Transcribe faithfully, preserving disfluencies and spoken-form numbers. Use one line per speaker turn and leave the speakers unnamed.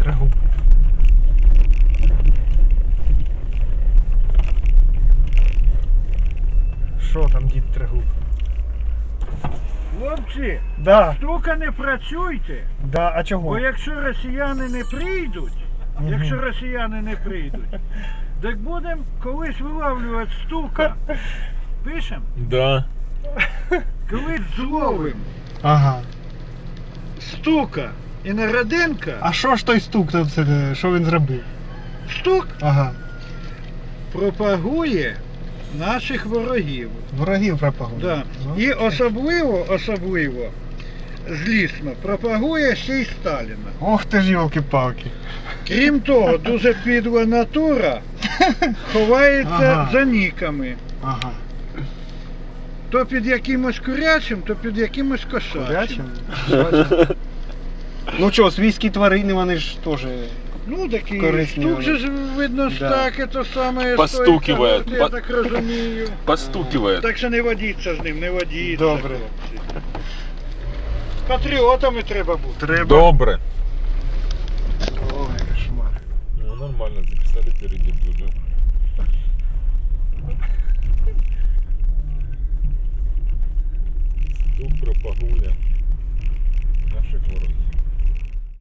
Трегуб. Що там, дід Трегуб?
Хлопці,
Да,
штука не працюйте,
да, а чого?
бо якщо росіяни не прийдуть,
Мгм.
якщо росіяни не прийдуть, так будемо колись вилавлювати стука. Пишем?
Да.
Колись зловим
Ага.
стука і Народенка.
А що ж той стук тут, це, що він зробив?
Стук
Ага.
пропагує наших ворогів.
Ворогів пропагує.
Да.
Ну,
І особливо, особливо, злісно, пропагує ще й Сталіна.
Ох ти ж йолки-палки.
Крім того, дуже підла натура ховається
Ага.
за ніками.
Ага.
То під якимось курячим, то під якимось кошачим.
Курячим? Бачиш? Ну що, свійські тварини, вони ж теж.
Ну такі,
Корисні
штук
вони.
же ж видно ж
Да.
так, це саме
Постукиває.
стоїть, я
По-
так розумію.
Постукивает.
Так що не водіться з ним, не водіться.
Добре.
хлопці. Патріотами треба бути.
Треба.
Добре.
Ой, кошмар.
Ну нормально, записали впереди дуже.